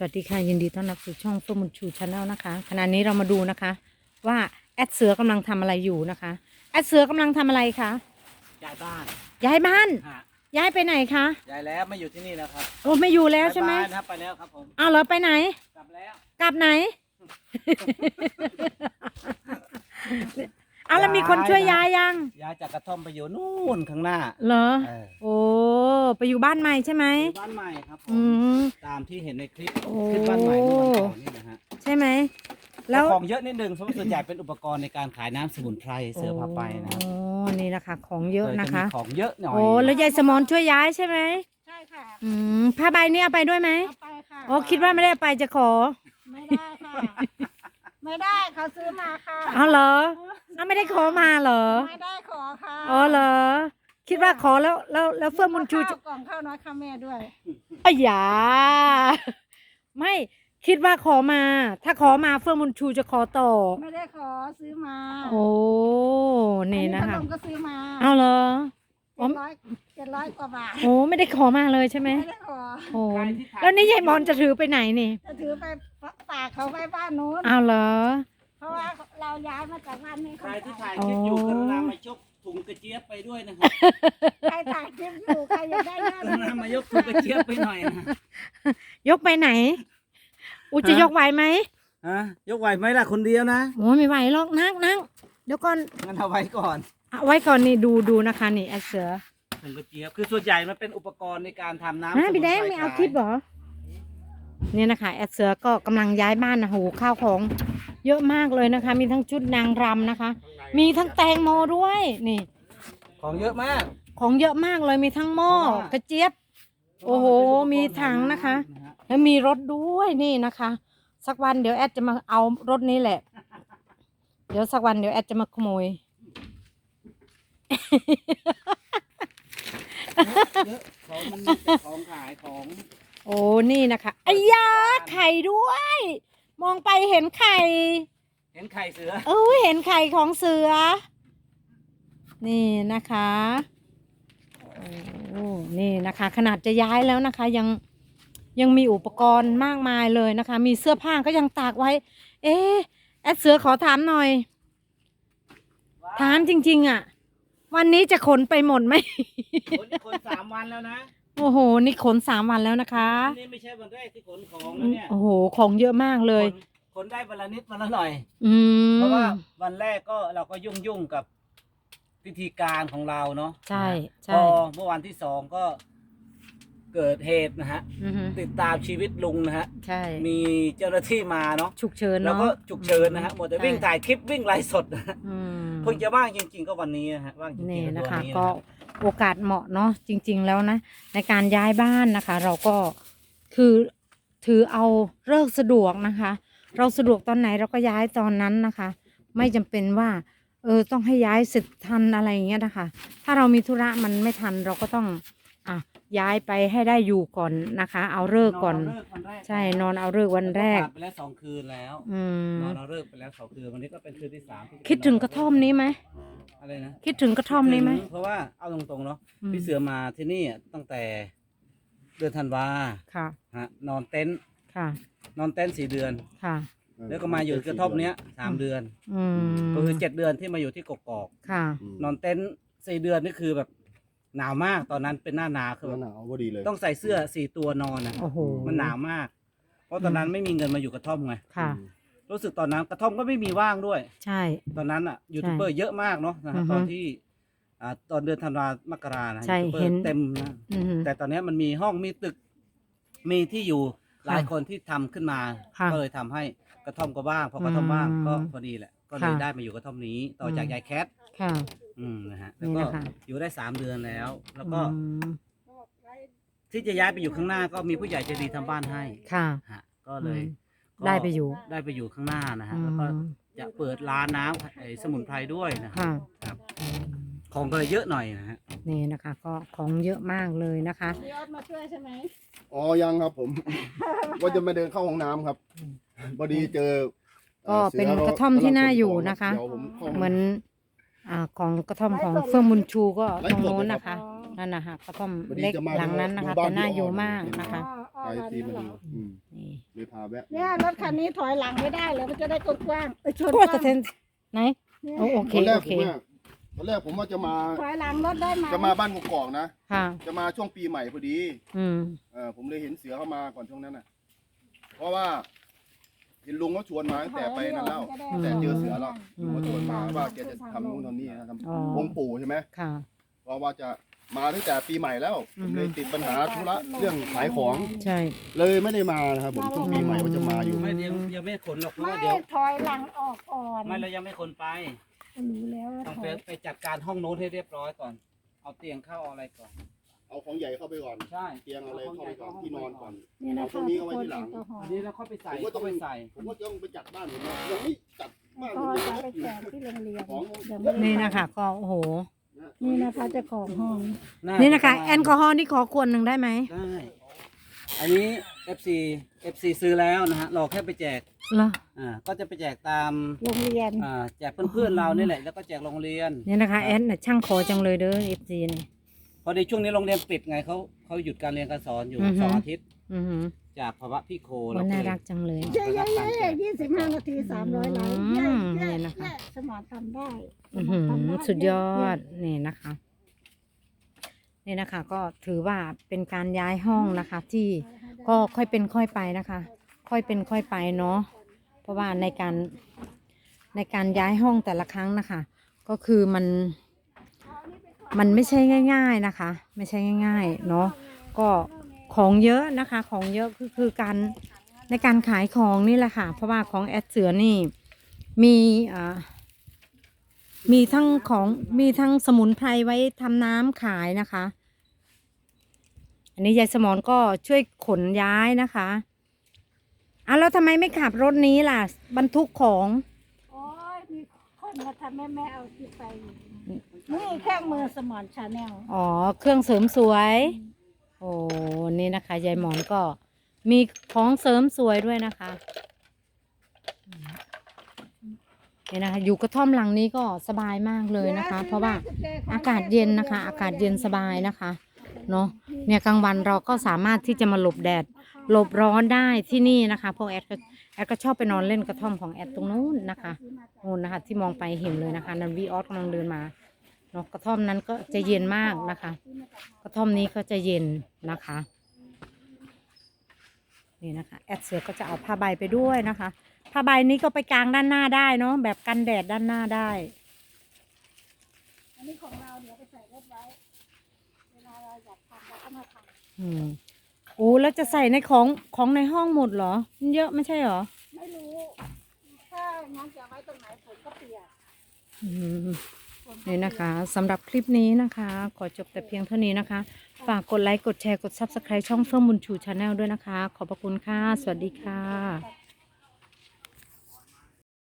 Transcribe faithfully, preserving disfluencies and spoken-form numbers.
วัสดีค่ะยินดีต้อนรับสู่ช่องเฟื่องบุญชูชาแนลนะคะขณะนี้เรามาดูนะคะว่าแอดเสือกำลังทำอะไรอยู่นะคะแอดเสือกำลังทำอะไรคะย้ายบ้านย้ายบ้านฮะย้ายไปไหนคะย้ายแล้วไม่อยู่ที่นี่แล้วครับโอ้ไม่อยู่แล้วใช่ไหมไปบ้านครับไปแล้วครับผมเอาเหรอไปไหนกลับแล้วกลับไหน เอาแล้วมีคนช่วยย้ายยังย้ายจากกระท่อมไปอยู่นู่นข้างหน้าเหรอเออโอ้ไปอยู่บ้านใหม่ใช่ไหมอยู่บ้านใหม่ครับผอืมมตามที่เห็นในคลิปโอ้คลิปบ้านใหม่เมื่อวันก่อนนี่นะฮะใช่ไหมแล้วของเยอะนิดนึงเพราะว่าส่วนใหญ่เป็นอุปกรณ์ในการขายน้ำสมุนไพรเสือพาไปนะโอ้นี่นะคะของเยอะนะคะของเยอะหน่อยโอ้แล้วยายสมอนช่วยย้ายใช่ไหมใช่ค่ะอืมผ้าใบนี่เอาไปด้วยไหมเอาไปค่ะโอ้คิดว่าไม่ได้ไปจะขอไม่ได้ค่ะไม่ได้เขาซื้อมาค่ะเอาเหรอเอาไม่ได้ขอมาเหรอไม่ได้ขอค่ะอ๋อเหรอคิดว่าขอแล้วแล้วแล้วเฟื่องบุญชูจะกล่องข้าวน้อยข้าวแม่ด้วยอ้ยาไม่คิดว่าขอมา ถ้าขอมาเฟื่องบุญชูจะขอต่อไม่ได้ขอซื้อมาโอ้นี่นะคะขนมก็ซื้อมาเอาเหรอเจ็ดร้อยเจ็ดร้อยกว่าบาทโอ้ไม่ได้ขอมาเลยใช่ไหมไม่ได้ขอโอ้แล้วนี่ยายมอนจะถือไปไหนนี่จะถือไปฝากเขาไว้บ้านนู้นเอาเหรอเพราะว่าเราย้ายมาจากบ้านนี้ใครที่ถ่ายคลิปอยู่กรุณามาชกถุงกระเจี๊ยบไปด้วยนะครับใครถ่ายคลิปอยู่ใครอยากได้เงินกรุณามายกถุงกระเจี๊ยบไปหน่อยนะยกไปไหนอูจะยกไหวไหมฮะยกไหวไหมล่ะคนเดียวนะโอ้ไม่ไหวหรอกนั่งนั่งเดี๋ยวก่อนงั้นเอาไว้ก่อนเอาไว้ก่อนนี่ดูดูนะคะนี่แอดเสือถุงกระเจี๊ยบคือส่วนใหญ่มันเป็นอุปกรณ์ในการทำน้ำนะพี่แดงไม่เอาคลิปเหรอเนี่ยนะคะแอดเสือก็กำลังย้ายบ้านนะโหข้าวของเยอะมากเลยนะคะ มีทั้งชุดนางรำนะคะ มีทั้งแตงโมด้วยนี่ของเยอะมากของเยอะมากเลยมีทั้งหม้อกระเจี๊ยบโอ้โหมีถังนะคะแล้วมีรถด้วยนี่นะคะสักวันเดี๋ยวแอดจะมาเอารถนี้แหละเดี๋ยวสักวันเดี๋ยวแอดจะมาขโมยของมันมีแต่ของขายของโอ้นี่นะคะไอ้ยาไข่ด้วยมองไปเห็นไข่เห็นไข่เสือเออเห็นไข่ของเสือนี่นะคะโอ้นี่นะคะขนาดจะย้ายแล้วนะคะยังยังมีอุปกรณ์มากมายเลยนะคะมีเสื้อผ้าก็ยังตากไว้เอ๊ะแอดเสือขอถามหน่อยถามจริงๆอ่ะวันนี้จะขนไปหมดไหมขนขนสามวันแล้วนะโอ้โหนี่ขนสามวันแล้วนะคะนี่ไม่ใช่วันแรกที่ขนของนะเนี่ยโอ้โหของเยอะมากเลยขนได้วันละนิดวันละหน่อยอืมเพราะว่าวันแรกก็เราก็ยุ่งยุ่งกับพิธีการของเราเนาะใช่ใช่พอเมื่อวันที่สองก็เกิดเหตุนะฮะติดตามชีวิตลุงนะฮะใช่มีเจ้าหน้าที่มาเนาะฉุกเฉินเนาะแล้วก็ฉุกเฉินนะฮะหมดแต่วิ่งถ่ายคลิปวิ่งไลฟ์สดนะฮะเพิ่งจะว่างจริงๆก็วันนี้นะฮะว่างจริงๆนี่นะคะก็โอกาสเหมาะเนาะจริงๆแล้วนะในการย้ายบ้านนะคะ เราก็คือถือเอาเลิกสะดวกนะคะ เราสะดวกตอนไหนเราก็ย้ายตอนนั้นนะคะ ไม่จำเป็นว่าเออต้องให้ย้ายเสร็จทันอะไรอย่างเงี้ยนะคะถ้าเรามีธุระมันไม่ทันเราก็ต้องอ่ะย้ายไปให้ได้อยู่ก่อนนะคะเอาเลิกก่อนใช่นอนเอาเลิกวันแรกไปแล้วสองคืนแล้วนอนเอาเลิกไปแล้วสองคืนวันนี้ก็เป็นคืนที่สามคิดถึงกระท่อมนี้ไหมอะไรนะคิดถึงกระท่อมนี้ไหมเพราะว่าเอาตรงๆเนาะพี่เสือมาที่นี่ตั้งแต่เดือนธันวาค่ะฮะนอนเต็นท์ค่ะนอนเต็นท์สี่เดือนค่ะแล้วก็มาอยู่กระท่อมเนี้ยสามเดือนก็คือเจ็ดเดือนที่มาอยู่ที่กกอกค่ะนอนเต็นท์สี่เดือนนี่คือแบบหนาวมากตอนนั้นเป็นหน้าหนาวคือหนาวพอดีเลยต้องใส่เสื้อสี่ตัวนอนนะมันหนาวมากเพราะตอนนั้นไม่มีเงินมาอยู่กระท่อมไงค่ะรู้สึกตอนนั้นกระท่อมก็ไม่มีว่างด้วยใช่ตอนนั้นอ่ะยูทูบเบอร์เยอะมากเนาะนะตอนที่อ่าตอนเดือนธันวามกรานะยูทูบเบอร์เต็มนะแต่ตอนนี้มันมีห้องมีตึกมีที่อยู่หลายคนที่ทำขึ้นมาก็เลยทำให้กระท่อมก็ว่างพอกระท่อมว่างก็พอดีแหละก็เลยได้มาอยู่กระท่อมนี้ต่อจากยายแคทค่ะอืมนะฮะแล้วก็อยู่ได้สามเดือนแล้ว แล้วก็ที่จะย้ายไปอยู่ข้างหน้าก็มีผู้ใหญ่ใจดีทำบ้านให้ค่ะฮะก็เลยได้ไปอยู่ได้ไปอยู่ข้างหน้านะฮะแล้วก็จะเปิดร้านน้ำไอ้สมุนไพรด้วยนะครับครับของก็เลยเยอะหน่อยนะฮะนี่นะคะก็ของเยอะมากเลยนะคะพี่ออสมาช่วยใช่ไหมอ๋อยังครับผมว่าจะมาเดินเข้าห้องน้ำครับพอดีเจอก็เป็นกระท่อมที่น่าอยู่นะคะเหมือนอ่าของกระท่อมของเฟื่องบุญชูก็ตรงโน้นนะคะนั่นนะคะกระท่อมเล็กหลังนั้นนะคะแต่น่าอยู่มากนะคะไปที่มันนี่เลยพาแวะเนี่ยรถคันนี้ถอยหลังไม่ได้เลยมันจะได้กว้างๆเอ้ยชนโอ้กยแต่ว้างเทนไหนเนี่ยโอ้โอเคตอนแรกโอผเคมอะตอนแรกผมว่าจะมาถอยหลังรถได้ไหมจะมาบ้านกกอกนะค่ะจะมาช่วงปีใหม่พอดีอืมเออผมเลยเห็นเสือเข้ามาก่อนช่วงนั้นน่ะ เพราะว่าเห็นลุงเขาชวนมาตั้งแต่ไปนั่นแล้วอืมแต่เจอเสือแล้วลุงเขาชวนมาว่าแกจะทำนู่นทำนี่นะครับอ๋อองค์ปู่ใช่ไหมค่ะเพราะว่าจะมาตั้งแต่ปีใหม่แล้วอืผอมฮึเลยติดปัญหาธุระเรื่องขายของใช่เลยไม่ได้มานะครับผมช่วงปีใหม่ว่าจะมาอยู่ไม่เดี๋ยวยังไม่ขนหรอกเพราะไม่ว่าเดี๋ยวถอยหลังออกก่อนไม่เรายังไม่ขนไปรู้แล้วว่าต้องถไปอยไปจัดการห้องโน้ตให้เรียบร้อยก่อน เอาเตียงเข้าเอาอะไรก่อนเอาของใหญ่เข้าไปก่อนใช่เตียงเอาอะไรเข้าไปก่อนที่นอนก่อนนี่นะเอาพวคะกนี้ทุกเอาไว้คนที่หลังแอลกอฮออันล์นี้เราเข้าไปใส่ผมก็ต้เข้าองไปใส่ผมก็ต้องไปจัดบ้านผมนะยังไม่จัดบ้านก็ผมจะไปเลยแจกที่โรงเรียนของเดี๋ยวไม่ได้นี่นะคะก็โอ้โหนี่นะคะเจ้าของห้องนี่นะคะแอลกอฮอล์นี่ขอขวดหนึ่งได้ไหมได้ อันนี้ เอฟ ซี เอฟ ซี ซื้อแล้วนะฮะเราแค่ไปแจกเหรออ่า ก็จะไปแจกตามโรงเรียนอ่า แจกเพื่อนๆเรานี่แหละ แล้วก็แจกโรงเรียนนี่นะคะแอดน่ะช่างขอจังเลยเด้อเอฟซีนี่พอดีช่วงนี้โรงเรียนปิดไงเขาเขาหยุดการเรียนการสอนอยู่อือฮึสองอาทิตย์อือหือจากภาวะพี่โควันเน่ารักจังเลยเย้เย้เย้ยี่สิบห้านาทีสามร้อยไลค์อืเย้มเย้นี่นะคะเย้สมอนทำได้อือหือสมรทำไสุดยอดเย้นี่นะคะ นี่นะคะ ก็ถือว่าเป็นการย้ายห้องนะคะ ที่ก็ค่อยเป็นค่อยไปนะคะ ค่อยเป็นค่อยไปเนาะเพราะว่าในการในการย้ายห้องแต่ละครั้งนะคะ ก็คือมันมันไม่ใช่ง่าย ๆนะคะ ไม่ใช่ง่าย ๆ เนาะก็ของเยอะนะคะ ของเยอะคือคือการในการขายของนี่แหละค่ะ เพราะว่าของแอดเสือนี่มีอ่ามีทั้งของมีทั้งสมุนไพรไว้ทำน้ำขายนะคะ อันนี้ยายสมรก็ช่วยขนย้ายนะคะอ่ะแล้วทำไมไม่ขับรถนี้ล่ะ บรรทุกของโอ้ยมีคนมาทำแม่แม่เอาที่ไปอยู่นี่เครื่องมือสมอนชาแนลอ๋อ เครื่องเสริมสวย โอ้นี่นะคะยายหมอนก็มีของเสริมสวยด้วยนะคะนี่นะคะ อยู่กระท่อมหลังนี้ก็สบายมากเลยนะคะ เพราะว่าอากาศเย็นนะคะ อากาศเย็นสบายนะคะเนาะเนี่ยกลางวันเราก็สามารถที่จะมาหลบแดด หลบร้อนได้ที่นี่นะคะเพราะแอดก็แอดก็ชอบไปนอนเล่นกระท่อมของแอดตรงนู้นนะคะนู้นนะคะ ที่มองไปเห็นเลยนะคะนันวีออสกำลังเดินมาเนาะกระท่อมนั้นก็จะเย็นมากนะคะ กระท่อมนี้ก็จะเย็นนะคะนี่นะคะแอดเสือก็จะเอาผ้าใบไปด้วยนะคะผ้าใบนี้ก็ไปกางด้านหน้าได้เนาะแบบกันแดดด้านหน้าได้อันนี้ของเราเดี๋ยวไปใส่รถไว้เวลาเราอยากทำเราก็มาทำอืมโอ้แล้วจะใส่ในของของในห้องหมดเหรอมันเยอะไม่ใช่เหรอไม่รู้ ถ้างั้นจะไว้ตรงไหนฝนก็เปียกอืมฝนก็นี่นะคะสำหรับคลิปนี้นะคะ ขอจบแต่เพียงเท่านี้นะคะ ฝากกดไลค์กดแชร์กด ซับสไครบ์ ช่องเฟื่องบุญชูชาแนลด้วยนะคะ ขอบพระคุณค่ะ สวัสดีค่ะเปียก